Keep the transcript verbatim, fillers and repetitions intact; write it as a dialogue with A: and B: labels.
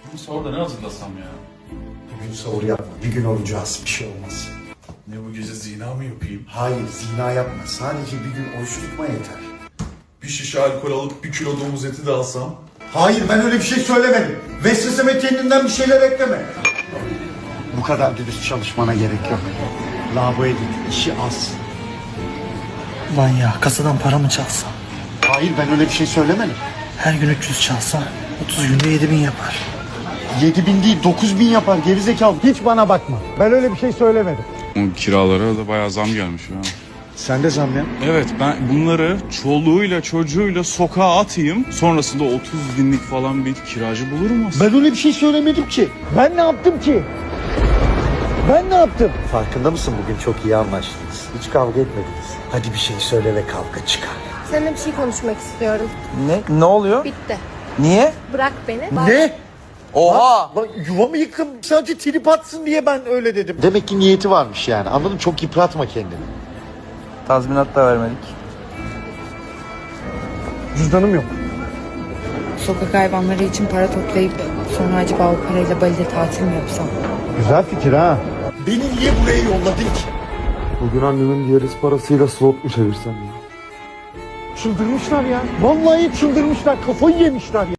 A: Bu sahurda ne hazırlasam ya?
B: Bugün sahur yapma. Bir gün olacağız. Bir şey olmaz.
A: Ne bu gece zina mı yapayım?
B: Hayır, zina yapma. Sadece bir gün oruç tutma yeter.
A: Bir şişe alkol alıp bir kilo domuz eti de alsam?
B: Hayır, ben öyle bir şey söylemedim. Vesveseme kendinden bir şeyler ekleme. Bu kadar dürüst çalışmana gerek yok. Lavaboya git, işi az.
C: Ulan ya kasadan para mı çalsam?
B: Hayır, ben öyle bir şey söylemedim.
C: Her gün üç yüz çalsam otuz günde yedi bin yapar.
B: Yedi bin değil, dokuz bin yapar gerizekalı. Hiç bana bakma. Ben öyle bir şey söylemedim.
D: O kiralara da bayağı zam gelmiş ya.
B: Sen de zam ya.
D: Evet, ben bunları çoluğuyla çocuğuyla sokağa atayım. Sonrasında otuz binlik falan bir kiracı bulurum aslında.
B: Ben öyle bir şey söylemedim ki. Ben ne yaptım ki? Ben ne yaptım? Farkında mısın, bugün çok iyi anlaştınız. Hiç kavga etmediniz. Hadi bir şey söyle ve kavga çıkar.
E: Seninle bir şey konuşmak istiyorum.
F: Ne? Ne oluyor?
E: Bitti.
F: Niye?
E: Bırak beni.
B: Ne?
F: Oha!
B: Lan yuvamı yıktım. Sadece trip atsın diye ben öyle dedim. Demek ki niyeti varmış yani. Anladın? Çok yıpratma kendini.
F: Tazminat da vermedik.
B: Cüzdanım yok.
G: Sokak hayvanları için para toplayıp sonra acaba o parayla Bali'de tatil mi yapsam?
B: Güzel fikir ha. Beni niye buraya yolladın ki?
H: Bugün annemin diğer parasıyla slot mu çevirsem ya?
B: Çıldırmışlar ya. Vallahi çıldırmışlar. Kafayı yemişler ya.